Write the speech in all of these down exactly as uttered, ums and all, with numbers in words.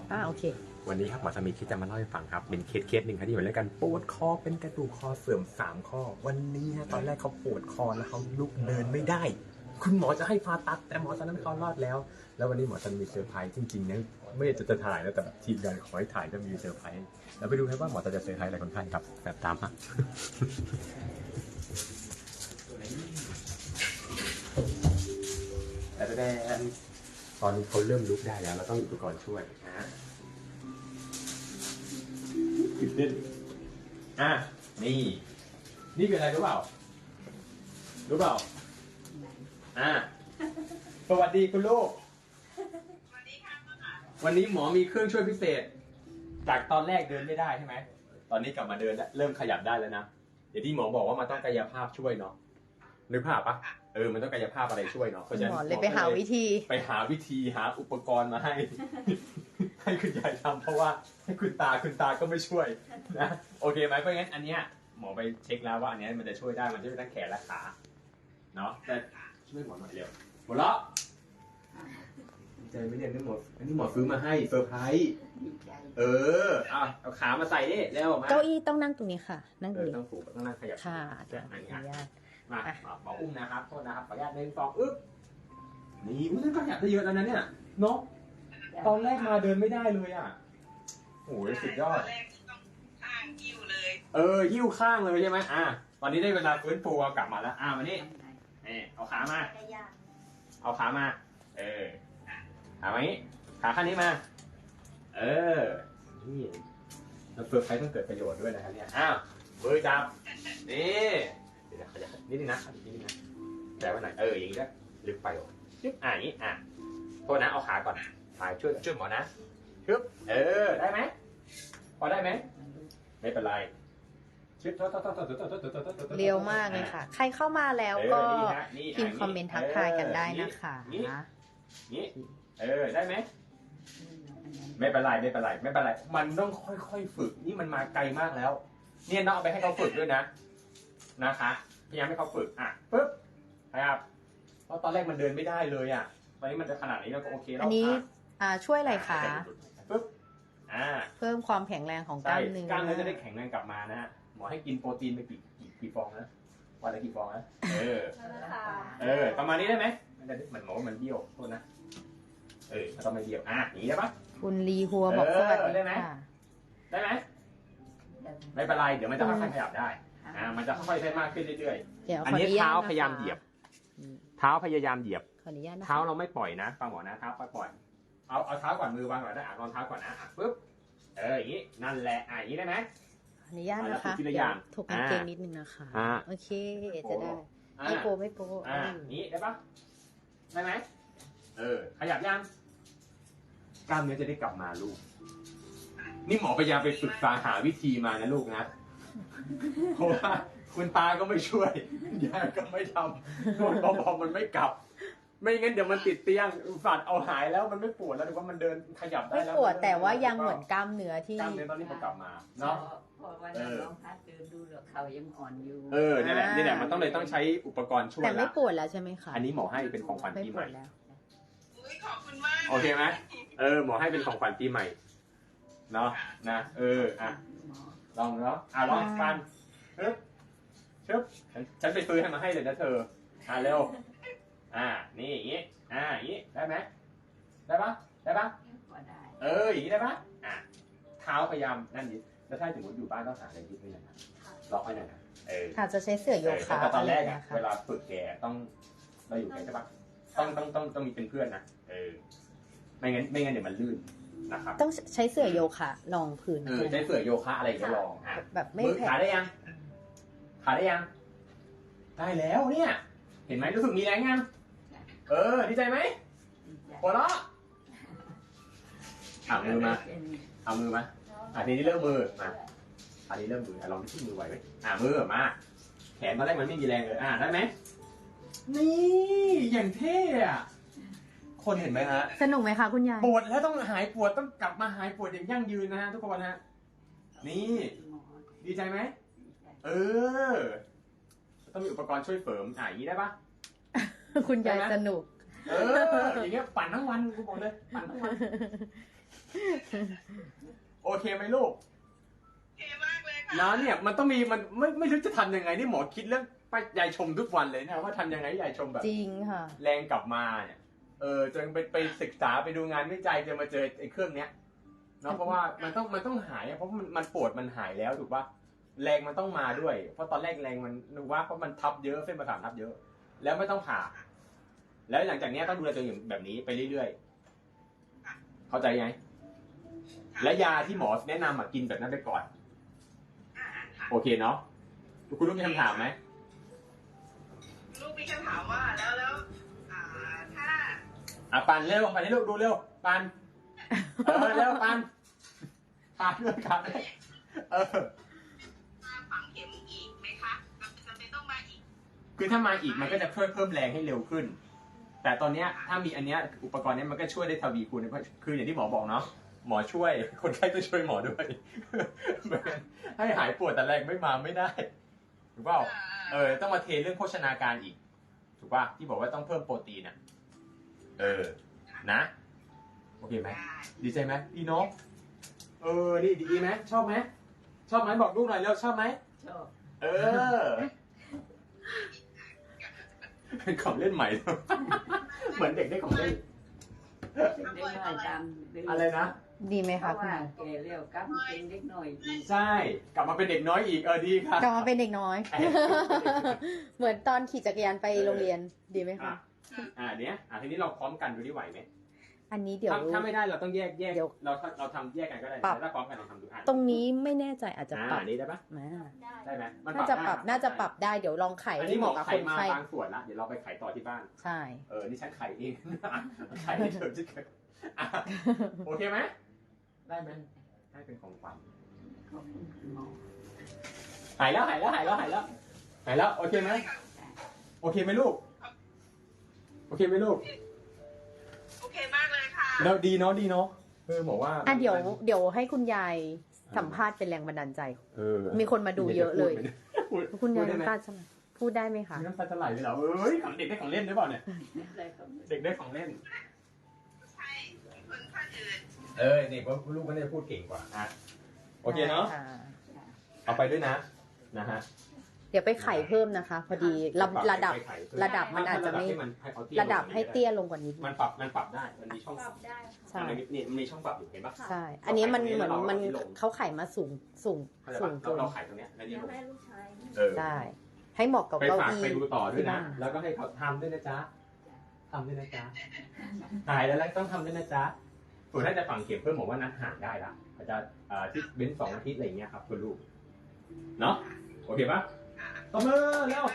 อ่าโอเควันนี้ครับหมอจะมีเคสจะมาเล่าให้ฟังครับเป็นเคสเคสหนึ่งครับที่อยู่ด้วยกันปวดคอเป็นกระดูกคอเสื่อมสามข้อวันนี้ฮะตอนแรกเขาปวดคอแล้วเขาลุกเดินไม่ได้คุณหมอจะให้ผ่าตัดแต่หมอตอนนั้นเขารอดแล้วแล้ววันนี้หมอจะมีเซอร์ไพรส์จริงๆนะไม่จะจะถ่ายแล้วแต่ทีมงานขอให้ถ่ายก็มีเซอร์ไพรส์แล้วไปดูครับว่าหมอจะจะเซอร์ไพรส์อะไรคนไข้ครับแบบตามฮะแต่แดนตอนนี้เขาเริ่มลุกได้แล้วเราต้องอุปกรณ์ช่วยนะตื่นเต้นอ่ะนี่นี่เป็นอะไรรู้เปล่ารู้เปล่าอ่ะสวัสดีคุณลูกสวัสดีค่ะวันนี้หมอมีเครื่องช่วยพิเศษจากตอนแรกเดินไม่ได้ใช่ไหมตอนนี้กลับมาเดินแล้วเริ่มขยับได้แล้วนะเดี๋ยวที่หมอบอกว่ามันต้องกายภาพช่วยเนาะนึกภาพปะเออมันต้องกายภาพอะไรช่วยเนาะเพราะฉะนั้นหมอเลยไปหาวิธีไปหาวิธีหาอุปกรณ์มาให้ ให้คุณยายทำเพราะว่าให้คุณตาคุณตาก็ไม่ช่วยนะโอเคไหมเพราะงั้นอันเนี้ยหมอไปเช็คแล้วว่าอันเนี้ยมันจะช่วยได้มันช่วยทั้งแขนและขาเนาะแต่ช่วยหมอหน่อยเร็วหมดละใจไม่เรียนนี่หมดอันนี้หมอซื้อมาให้เซอร์ไพรส์เอออ่ะเอาขามาใส่นี่เร็วมาเก้าอี้ต้องนั่งตรงนี้ค่ะนั่งตรงนี้ต้องสูงต้องนั่งขยับค่ะอันนี้อนุญาตมาหมออุ้มนะครับโทษนะครับขออนุญาตหนึ่งสองอึ๊บนี่อุ้ยนั่นก็ขยับได้เยอะแล้วนะเนี่ยเนาะตอนแรกมาเดินไม่ได้เลยอ่ะโอ้ยสุดยอดข้างหิ้วเลยเออหิ้วข้างเลยใช่ไหมอ่ะตอนนี้ได้เวลาฟื้นฟูเอากลับมาแล้วอ่ะมานี่นี่เอาขามาเอาขามาเออขามานี้ขาข้างนี้มาเออนี่เราเฟิร์สไพรส์ต้องเกิดประโยชน์ด้วยนะครับเนี่ยอ้าวมือจับนี่เดี๋ยวขยับนิดนึงนะนิดนึงนะแต่ว่าหน่อยเอออย่างนี้ด้วยลึกไปโอ้ยึบอ่ะอย่างนี้อ่ะโทษนะเอาขาก่อนขาช่วยช่วยหมอนะชึบเออได้ไหมพอได้ไหมไม่เป็นไรชึบเร็วมากเลยค่ะใครเข้ามาแล้วก็พิมพ์คอมเมนต์ทักทายกันได้นะคะนี่เออได้ไหมไม่เป็นไรไม่เป็นไรไม่เป็นไรมันต้องค่อยๆฝึกนี่มันมาไกลมากแล้วเนี่ยน้องเอาไปให้เขาฝึกด้วยนะนะคะพยายามให้เขาฝึกอ่ะปึ๊บนะครับเพราะตอนแรกมันเดินไม่ได้เลยอ่ะตอนนี้มันจะขนาดนี้เราก็โอเคแล้วอันนี้อ่าช่วยอะไรคะปึ๊บอ่าเพิ่มความแข็งแรงของกล้ามเนื้อกล้ามเนื้อจะได้แข็งแรงกลับมานะฮะหมอให้กินโปรตีนไปกี่กี่กี่ฟองนะวันละกี่ฟองนะเออเออประมาณนี้ได้ไหมมันจะมันหมอมันเบี้ยวโทษนะเออต้องไม่เบี้ยวอ่ะอย่างนี้ได้ปะคุณลีฮัวบอกสวัสดีค่ะได้ไหมไม่เป็นไรเดี๋ยวมันจะค่อยๆขยับได้อ่ามันจะค่อยๆได้มากขึ้นเรื่อยๆอันนี้เท้าพยายามเหยียบเท้าพยายามเหยียบเท้าเราไม่ปล่อยนะฟังหมอนะเท้าค่อยปล่อยเอาเอาเท้าก่อนมือวางก่อนได้อ่ะรองเท้าก่อนนะอ่ะปึ๊บเอออย่างนี้นั่นแหละอ่ะอย่างนี้ได้ไหมอนุญาตนะคะเดี๋ยวถกกางเกงนิดนึงนะคะโอเคจะได้ไม่โปไม่โปอ่านี้ได้ปะได้ไหมเออขยับยังกล้ามเนื้อจะได้กลับมาลูกนี่หมอพยายามไปศึกษาหาวิธีมานะลูกนะเพราะว่าคุณตาก็ไม่ช่วยยายก็ไม่ทำนวดเบาๆมันไม่กลับไม่งั้นเดี๋ยวมันติดเตียงฝันเอาหายแล้วมันไม่ปวดแล้วดูว่ามันเดินขยับได้แล้วไม่ปวดแต่ว่ายังเหมือนกล้ามเนื้อที่กล้ามเนื้อตอนนี้มันกลับมาเนาะพอวันนั้นลองพัดเดินดูแล้วเขายังอ่อนอยู่เออนี่แหละนี่แหละมันต้องเลยต้องใช้อุปกรณ์ช่วยแต่ไม่ปวดแล้วใช่ไหมคะอันนี้หมอให้เป็นของขวัญปีใหม่ขอบคุณมากโอเคไหมเออหมอให้เป็นของขวัญปีใหม่เนาะนะเอออ่ะลองเนาะอ่ะลองฟันชึบชึบฉันไปซื้อให้มาให้เลยนะเธออ่ะเร็วอ่านี่อย่างงี้อ่าอย่างงี้ได้ไหมได้ปะได้ปะเอออย่างงี้ได้ปะอ่ะเท้าพยายามนั่นดิแล้วถ้าสมมติอยู่บ้านต้องหาอะไรยึดไว้หน่อยนะล็อกไว้หน่อยนะเอออาจจะใช้เสื่อโยคะแต่ตอนแรกอะเวลาฝึกแกต้องเราอยู่แกใช่ปะต้องต้องต้องต้องมีเป็นเพื่อนนะเออไม่งั้นไม่งั้นเดี๋ยวมันลื่นนะครับต้องใช้เสื่อโยคะรองพื้นเออใช้เสื่อโยคะอะไรก็ลองอ่ะแบบไม่แผ่ขาได้ยังขาได้ยังได้แล้วเนี่ยเห็นไหมรู้สึกมีแรงยังเออดีใจไหมหัวเราะเอามือมาเอามือมาอ่ะทีนี้เริ่มมือมาอันนี้เริ่มมือลองที่มือไหวไหมอ่ะมือมาแขนตอนแรกมันไม่มีแรงเลยอ่ะได้ไหมนี่อย่างเท่อะคนเห็นไหมฮะสนุกไหมคะคุณยายปวดแล้วต้องหายปวดต้องกลับมาหายปวดอย่างยั่งยืนนะฮะทุกคนฮะนี่ดีใจไหมเออต้องมีอุปกรณ์ช่วยเสริมอ่ะอย่างนี้ได้ปะคุณยายสนุกเอออย่างเงี้ยปั่นทั้งวันกูบอกเลยปั่นทั้งวันโอเคไหมลูกเท่มากเลยค่ะนะเนี่ยมันต้องมีมันไม่ไม่รู้จะทำยังไงนี่หมอคิดเรื่องไปยายชมทุกวันเลยนะว่าทำยังไงให้ยายชมแบบจริงค่ะแรงกลับมาเนี่ยเออจนไปไปศึกษาไปดูงานวิจัยจนมาเจอไอ้เครื่องเนี้ยเนาะเพราะว่ามันต้องมันต้องหายอะเพราะมันมันปวดมันหายแล้วถูกปะแรงมันต้องมาด้วย เพราะตอนแรกแรงมันนึกว่าเพราะมันทับเยอะเส้นประสาททับเยอะ แล้วไม่ต้องผ่า แล้วหลังจากเนี้ยต้องดูแลตัวเองแบบนี้ไปเรื่อยๆเข้าใจไหมและยาที่หมอแนะนำอะกินแบบนั้นไปก่อนอ่าค่ะโอเคเนาะคุณลูกมีคำถามไหมลูกมีคำถามว่าแล้วแล้วอ่าถ้าอ่ะปันเร็วปันให้ลูกดูเร็วปันเออเร็วปันปันด้วยครับเออมาฝังเข็มอีกไหมคะจำเป็นต้องมาอีกคือถ้ามาอีกมันก็จะเพิ่มเพิ่มแรงให้เร็วขึ้น แต่ตอนเนี้ยถ้ามีอันเนี้ยอุปกรณ์เนี้ยมันก็ช่วยได้ทวีคูณเพราะคืออย่างที่หมอบอกเนาะหมอช่วยคนไข้ก็ช่วยหมอด้วย ให้หายปวดแต่แรงไม่มาไม่ได้ถูกเปล่าเออต้องมาเทเรื่องโภชนาการอีกถูกป่ะที่บอกว่าต้องเพิ่มโปรตีนอ่ะเออนะโอเคไหมได้ดีใจไหมดีเนาะเออดีดีไหมชอบไหมชอบไหมบอกลูกหน่อยเร็วชอบไหมชอบเออเป็นของเล่นใหม่ เหมือนเด็กได้ของเล่นเด็กน้อยตามดื้อะไรนะดีไหมเพคะราะคุณว่าหมอแกเลี้ยวกลับเป็นเด็กน้อยอีกใช่ กลับมาเป็นเด็กน้อยอีกเออดีค่ะกลับมาเป็นเด็กน้อย เหมือนตอนขี่จักรยานไปโรงเรียนดีไหมอ่ะคะอ่าเนี้ยอ่ะทีนี้เราพร้อมกันดูที่ไหวไหมอันนี้เดี๋ยวถ้าถ้าไม่ได้เราต้องแยกแยกเดี๋ยวเราเราทำแยกกันก็ได้ปรับแต่ถ้าพร้อมกันเราทำดูอ่ะตรงนี้ไม่แน่ใจอาจจะอ่าปรับอันนี้ได้ปะมาได้ไหมมันน่าจะปรับได้น่าจะปรับได้เดี๋ยวลองไขอันให้นี้เหหมอมาะกับไขคนมาไข้บางส่วนละเดี๋ยวเราไปไขต่อที่บ้านใช่เออนี่ฉันไขเอง ไขให้เธอจะเกิดอ่ะโอเคไหมได้ไหมให้เป็นของขวัญขอบคุณคุณหมอหายแล้วหายแล้วหายแล้วหายแล้วหายแล้วโอเคไหมโอเคไหมลูกโอเคไหมลูกโอเคมากเลยค่ะแล้วดีเนาะดีเนาะเออบอกว่าอ่ะเดี๋ยวเดี๋ยวให้คุณยายสัมภาษณ์เป็นแรงบันดาลใจเออมีคนมาดูเยอะเลยพูดคุณยายพูดได้ไหมน้ำตาจะไหลพูดได้ไหมคะมีน้ำตาจะไหลเลยเหรอเอ้ยของเด็กได้ของเล่นหรือเปล่าเนี่ยได้ครับเด็กได้ของเล่นใช่คนท่านอื่นเออเด็กว่าลูกก็ได้พูดเก่งกว่าอ่ะโอเคเนาะค่เอาไปด้วยนะนะฮะเดี๋ยวไปไขเพิ่มนะคะ พอดีระระดับไปไขเพิ่ระดับมันอาจจะไม่ให้นให้เอาเตี้ยระดับให้เตี้ยลงกว่านี้มันปรับมันปรับได้มันมีช่องปรับได้ใช่มันมีนี่มันมีช่องปรับอยู่เห็นปะใช่ อันนี้มันเราเหมือนไขตรงนี้มันแล้วเราเอาที่ลงเขาไขมาสูงสูงเข้าใจสูปะงเราเกินเราไขตรงเนี้ยแล้วนี่เดี๋ยวลงให้ลูกชายเออใช่ให้เหมาะกับไปเก้าฝากอี้ไปดูต่อด้วยที่นะบ้านแล้วก็ให้เขาทำด้วยนะจ๊ะทำด้วยนะจ๊ะหายแล้วแล้วต้องทำด้วยนะจ๊ะส่วนถ้าจะฝังเข็มเพิ่มบอกว่านัดห่างได้ละอาจจะอ่าที่เว้นสองอาทิตย์อะไรอย่างเงี้ยครับคุณลูกเนาะโอเคปะตบมือเร็ว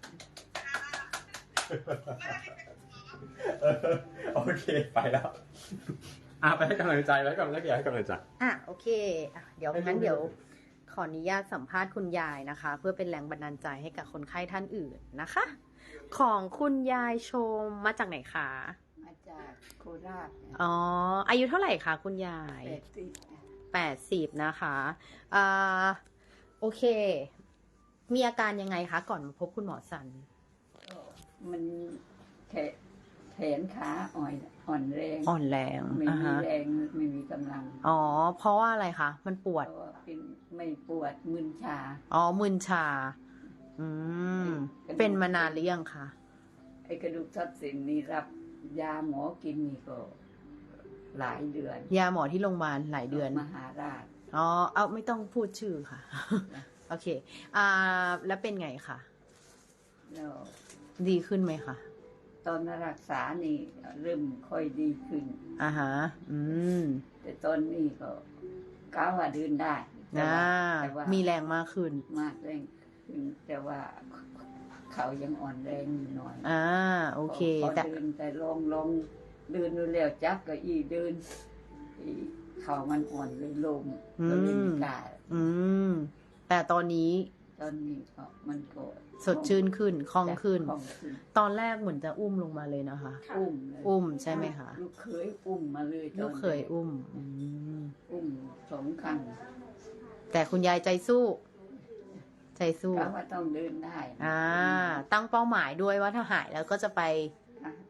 เออโอเคไปแล้วอ่ะไปให้กำลังใจไว้ก่อนแล้วเดี๋ยวให้กำลังใจอ่ะโอเคอ่ะเดี๋ยวให้ลูกงั้นเดี๋ยวขออนุญาตสัมภาษณ์คุณยายนะคะ เพื่อเป็นแรงบันดาลใจให้กับคนไข้ท่านอื่นนะคะ ของคุณยายชมมาจากไหนคะมาจากโคราชเนี่ยอ๋ออายุเท่าไหร่คะคุณยายแปดสิบแปดสิบนะคะอ่าโอเค มีอาการยังไงคะก่อนมาพบคุณหมอสันก็มันแขนแขนขาอ่อนอ่อนแรงอ่อนแรงไม่อ่ามีฮะแรงไม่มีกำลังอ๋อเพราะว่าอะไรคะมันปวดเพราะว่าเป็นไม่ปวดมึนชาอ๋อมึนชา อืม เป็นมานานหรือยังคะไอ้กระดูกทับเส้นนี่รับยาหมอกินนี่ก็หลายเดือนยาหมอที่โรงพยาบาลหลายเดือนมหาราชอ๋อ เอาไม่ต้องพูดชื่อค่ะ โอเค อ่า แล้วเป็นไงคะแล้วดีขึ้นไหมคะตอนรักษานี่เริ่มค่อยดีขึ้นอ่าฮะ อืมแต่ตอนนี้ก็ก้าวว่าเดินได้แต่อ่าว่าแต่ว่ามีแรงมากขึ้นมากแรงขึ้นแต่ว่าเขายังอ่อนแรงอยู่หน่อยอ่า โอเคพอแต่เดินแต่ลองลองเดินดูแล้วจับก็อีเดินอีเขามันอ่อนเลยลงก็เลยไม่กล้าอืม แต่ตอนนี้ตอนนี้ก็มันก็สดชื่นขึ้น คล่องขึ้นคล่องขึ้นตอนแรกเหมือนจะอุ้มลงมาเลยนะคะอุ้มเลยอุ้มใช่ไหมคะลูกเคยอุ้มมาเลยตอนลูกเคยอุ้ม อืมอุ้มสองครั้งแต่คุณยายใจสู้ ใจสู้กะว่าต้องเดินได้อ่า ตั้งเป้าหมายด้วยว่าถ้าหายแล้วก็จะไปอ่ะ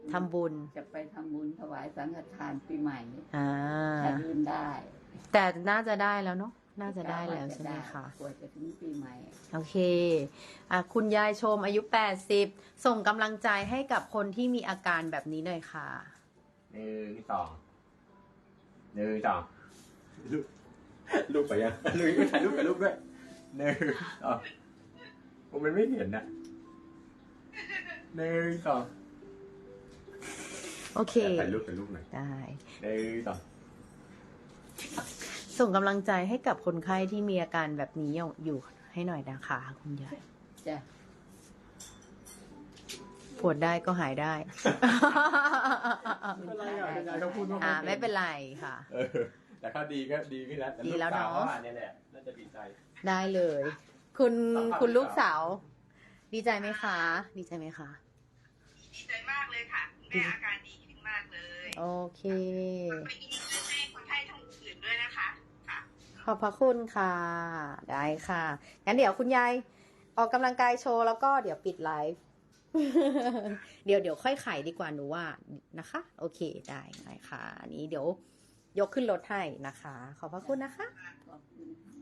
ทำบุญจะไปทำบุญถวายสังฆทานปีใหม่อ่าถ้าลืมได้แต่น่าจะได้แล้วเนาะ น่าจะได้แล้วใช่ไหมคะกว่าจะถึงปีใหม่โอเค อ่ะคุณยายชมอายุแปดสิบส่งกำลังใจให้กับคนที่มีอาการแบบนี้หน่อยค่ะหนึ่งสองหนึ่งสองลูกลูกไปยังลูกถ่ายรูปกับลูกด้วยหนึ่งสองผมมันไม่เห็นนะหนึ่งสองโอเคถ่ายรูปกับลูกหน่อยได้หนึ่งสองส่งกำลังใจให้กับคนไข้ที่มีอาการแบบนี้อยู่ให้หน่อยนะคะคุณยายจ้ะปวดได้ก็หายได้ไม่เป็นไรอ่ะคุณยายเขาพูดว่าอ่าไม่เป็นไรค่ะเออแต่ถ้าดีก็ดีขึ้นแล้วแต่ดีแล้วเนอะกสอ่เนี่ยแหละน่าจะดีใจได้เลย คุณสัมภาษณ์คุณลูกหรือเปล่าสาว ดีใจไหมคะ ดีใจไหมคะดีใจมากเลยค่ะคุณแม่อาการดีขึ้นมากเลยโอเคไปยินดีให้คนไข้ท่านอื่นด้วยนะคะค่ะขอบพระคุณค่ะ ได้ค่ะ งั้นเดี๋ยวคุณยายออกกำลังกายโชว์แล้วก็เดี๋ยวปิดไลฟ์ เดี๋ยวเดี๋ยวค่อยไขดีกว่าหนูว่านะคะ โอเคได้ได้ค่ะ อันนี้เดี๋ยวยกขึ้นรถให้นะคะ ขอบพระคุณนะคะขอบคุณ